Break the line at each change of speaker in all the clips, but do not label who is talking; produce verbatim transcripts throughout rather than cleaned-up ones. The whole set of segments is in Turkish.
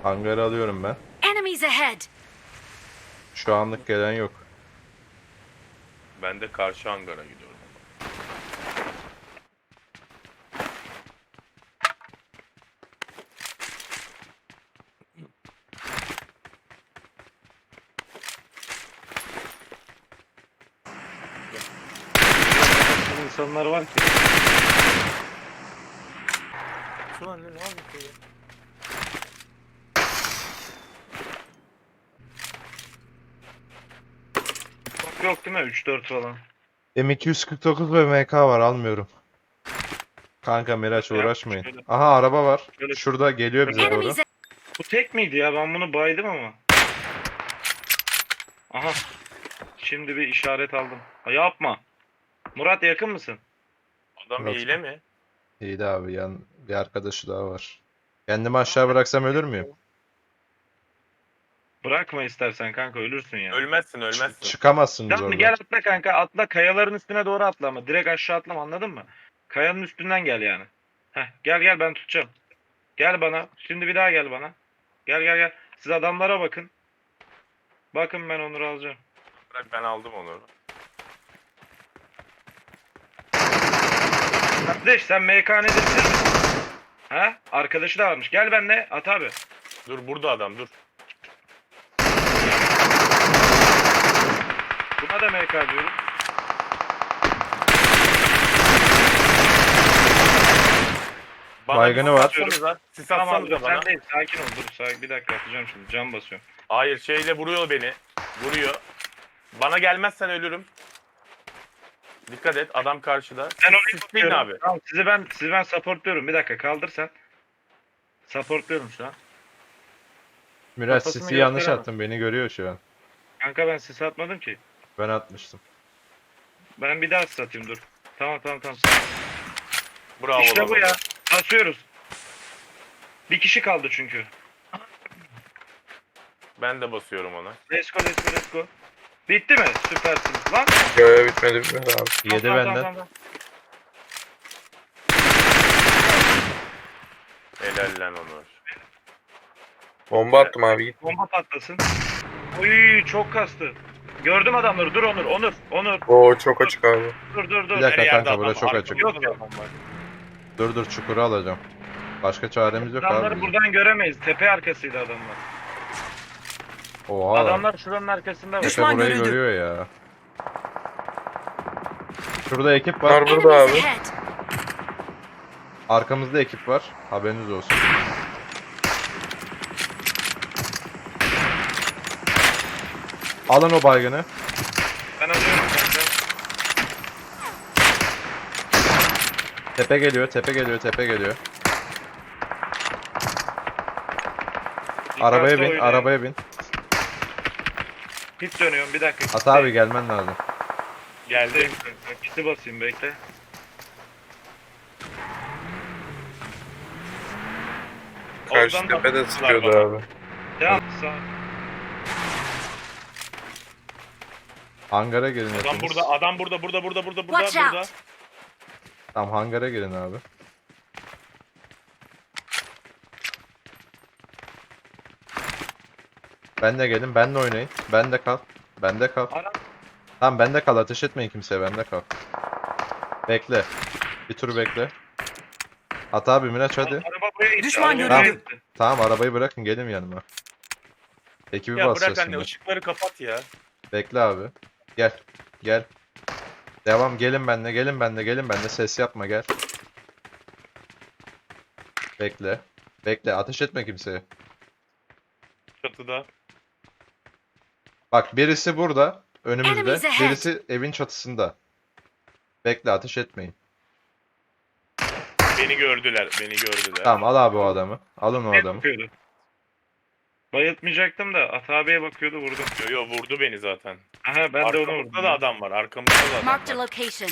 Hangarı alıyorum ben.
Enemies ahead!
Şu anlık gelen yok.
Ben de karşı hangara gidiyorum.
İnsanlar var ki.
Şu an ne yapıyor?
Çok yok değil mi? üç dört falan.
M iki yüz kırk dokuz ve M K var, almıyorum. Kanka Miraç
Yap,
uğraşmayın.
şöyle.
Aha araba var.
Şöyle.
Şurada geliyor bize doğru.
Enemies
Bu tek miydi ya? Ben bunu baydım ama. Aha. Şimdi bir işaret aldım. Ha, yapma. Murat yakın mısın?
Adam
Murat.
hile mi?
İyi de abi, yan bir arkadaşı daha var. Kendimi aşağı bıraksam ölür müyüm?
Bırakma istersen kanka, ölürsün ya.
Ölmezsin ölmezsin.
Çıkamazsınız
Tamam,
oradan.
gel atla kanka, atla, kayaların üstüne doğru atla ama direkt aşağı atlama, anladın mı? Kayanın üstünden gel yani. Heh, gel gel, ben tutacağım. Gel bana. Şimdi bir daha gel bana. Gel gel gel. Siz adamlara bakın. Bakın, ben Onur'u alacağım.
Bırak, ben aldım onu.
Kardeş, sen M K nedir bilir misin? Ha? Arkadaşı da varmış. Gel benimle at abi.
Dur burada adam dur.
Buna da M K diyorum.
Bana
Baygını
bir
var.
sis atsanıza. Sis
Tamam abi,
atsanıza bana.
sen değil. Sakin ol, dur. Sakin. Bir dakika atacağım şimdi. Cam basıyorum.
Hayır, şeyle vuruyor beni. Vuruyor. Bana gelmezsen ölürüm. Dikkat et, adam karşıda.
Ben orayı
Siz sisleyin
tutuyorum.
abi.
Tamam, sizi ben sizi ben supportluyorum. Bir dakika kaldır sen. Supportluyorum şu an.
Miraç
Kafasını
sisi yanlış
gösteremem.
attım, beni görüyor şu an.
Kanka ben sis atmadım ki.
Ben atmıştım.
Ben bir daha sis atayım, dur. Tamam tamam tamam.
Bravo
İşte bu
baba.
ya. Basıyoruz. Bir kişi kaldı çünkü.
Ben de basıyorum ona.
Let's go let's go let's go. Bitti mi? Süpersiniz lan.
Yo bitmedi bitmedi abi.
Yedi
Tamam, tamam,
benden.
tamam, tamam.
Helal lan Onur.
Bomba attım abi git.
Bomba patlasın. Uy, çok kastı. Gördüm adamları. Dur Onur. Onur. Onur.
Oo çok açık abi.
Dur dur dur.
Bir dakika
Her yerde
kanka,
adam,
burada çok
arkamızda
açık.
Yok,
da
yok.
adam var.
Dur dur, çukuru alacağım. Başka çaremiz yok
Adamları
abi.
buradan göremeyiz. Tepe arkasıydı adamlar.
Oha.
Adamlar şuranın arkasında var.
Tepe burayı görüyor ya. Şurada ekip var.
Var burada
Enemies
abi.
ahead!
Arkamızda ekip var. Haberiniz olsun. Alın o baygını.
Ben alıyorum kanka.
Tepe geliyor, tepe geliyor, tepe geliyor. Arabaya
Dikkatli
bin,
oynayın.
arabaya bin.
Hit dönüyorum, bir dakika.
At abi, gelmen lazım.
Geldi.
Geldim kanka. Kit'i basayım, bekle.
Karşı
Oradan da
tepede
vurdular
sıkıyordu
bana.
abi.
Devam. Sağ.
Hangara girin
Adam
hepiniz.
burada, adam burada, burada, burada, burada, burada,
Watch out.
burada.
Tamam, hangara girin abi. Ben de gelin, benle oynayın. Ben de kal. Ben de kal.
Ara.
Tamam, ben de kal, ateş etmeyin kimseye, ben de kal. Bekle. Bir tur bekle. At abi Miraç, hadi.
Araba buraya gitti.
Düşman
araba buraya
görüldü.
gitti.
Tamam, arabayı bırakın, gelin yanıma. Ekibi
Ya
basacağız
bırak anne,
şimdi.
ışıkları kapat ya.
Bekle abi. Gel. Gel. Devam, gelin benle, gelin benle, gelin benle. Ses yapma, gel. Bekle. Bekle, ateş etme kimseye.
Çatıda.
Bak, birisi burada, önümüzde.
Enemies ahead.
Birisi evin çatısında. Bekle, ateş etmeyin.
Beni gördüler, beni gördüler.
Tamam, al abi o adamı. Alın o
Ne
adamı.
bakıyordu? Bayıltmayacaktım da At abiye bakıyordu, vurdum.
Yo yo, vurdu beni zaten.
Aha, ben de onu vurdum.
Arkamızda da adam var, arkamızda da adam
Marked a
var.
location.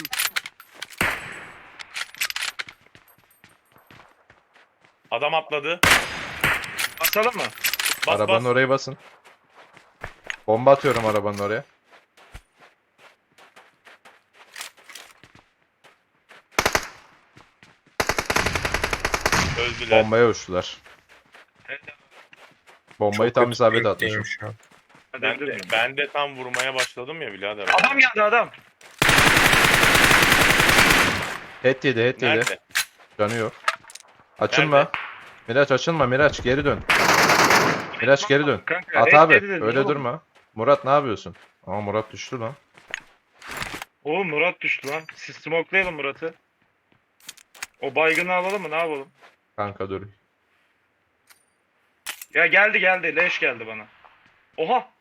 Adam atladı.
Basalım mı?
Bas
Arabanın
bas.
oraya basın. Bomba atıyorum arabanın oraya.
Öldüler.
Bombaya uçtular.
Evet.
Bombayı
Çok
tam
kötü
isabet
bir
atmışım.
game'miş ya.
Hadi
Ben
edebilir
de,
miyim?
ben de tam vurmaya başladım ya birader.
Adam geldi adam.
Head yedi, head yedi.
Nerede?
Canı yok. Açılma.
Nerede?
Miraç açılma, Miraç geri dön. Miraç geri dön.
Kanka,
At
et
abi,
yedi dedin
öyle
oğlum.
durma. Murat ne yapıyorsun? Aa Murat düştü lan.
Oğlum Murat düştü lan. Siz smokelayalım Murat'ı. O baygını alalım mı? Ne yapalım?
Kanka dur.
Ya geldi geldi. Leş geldi bana. Oha.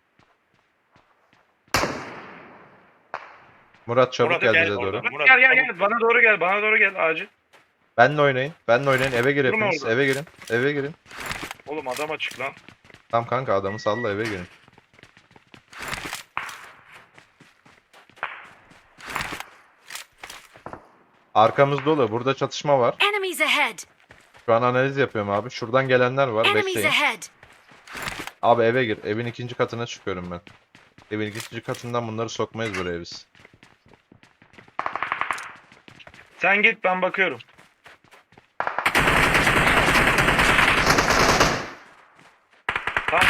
Murat çabuk
Murat,
gel
gel
bize
oradan.
doğru.
Murat,
gel gel
çabuk
gel. Bana doğru gel. Bana doğru gel acil.
Benle oynayın. Benle oynayın. Eve gir
Durma
hepiniz.
orada.
Eve girin. Eve girin.
Oğlum adam açık lan.
Tamam kanka adamı salla eve girin. Arkamız dolu. Burada çatışma var.
Enemies ahead!
Şu an analiz yapıyorum abi. Şuradan gelenler var.
Enemies
Bekleyin.
ahead!
Abi eve gir. Evin ikinci katına çıkıyorum ben. Evin ikinci katından bunları sokmayız buraya biz.
Sen git ben bakıyorum. Tamam.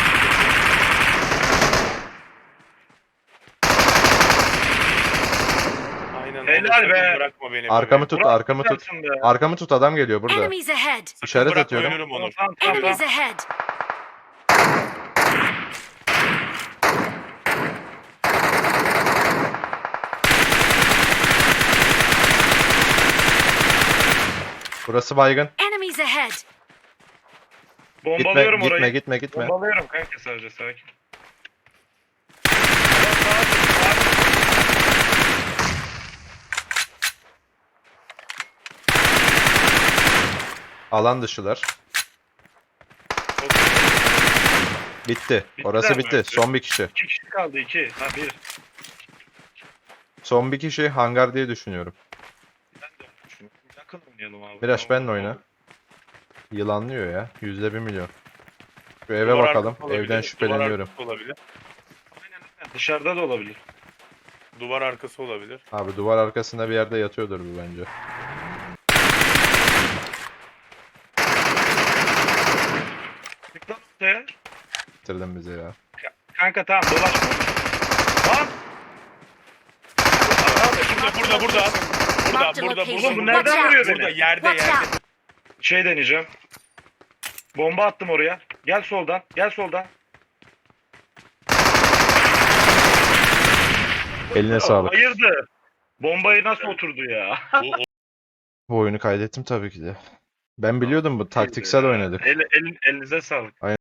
Aynen.
Helal
onu sakın
be.
Bırakma beni.
Arkamı
be.
tut,
Murat,
arkamı tut.
süpersin be.
Arkamı tut adam geliyor burada.
Enemies ahead!
Sakın
İşaret
bırakma,
atıyorum.
ölürüm
Tamam
Onur.
tamam tamam.
Enemies
tamam.
ahead!
Burası baygın.
Enemies ahead!
Gitme,
Bombalıyorum
gitme,
orayı.
gitme, gitme.
Bombalıyorum kanka sadece sakin.
Alan dışılar. Bitti. Orası
Bittiler mi?
bitti. Son bir kişi.
İki kişi kaldı iki. Ha bir.
Son bir kişi hangar diye düşünüyorum.
Ben de öyle düşünüyorum. Yakın oynayalım abi.
Miraç
Tamam,
benle oyna.
tamam.
Yılanlıyor ya. Yüzde bir milyon. Şu eve
Duvar
bakalım.
arkası olabilir,
Evden
duvar
şüpheleniyorum.
arkası olabilir.
Aynen aynen. Dışarıda da olabilir.
Duvar arkası olabilir.
Abi duvar arkasında bir yerde yatıyordur bu bence.
Çık lan ortaya.
Bitirdin bizi ya.
Kanka tamam dolaşma. Lan.
Burada, burada, burada. Burada,
Marked a
burada,
location.
burada.
Oğlum bu nereden vuruyor
Burada,
beni?
yerde,
Watch
yerde.
out!
Şey deneyeceğim. Bomba attım oraya. Gel soldan. Gel soldan.
Eline sağlık.
Hayırdır? Bombayı nasıl oturdu ya?
Bu,
Bu oyunu kaydettim tabii ki de. Ben biliyordum bu taktiksel
Ya.
oynadık.
El, el, elinize sağlık.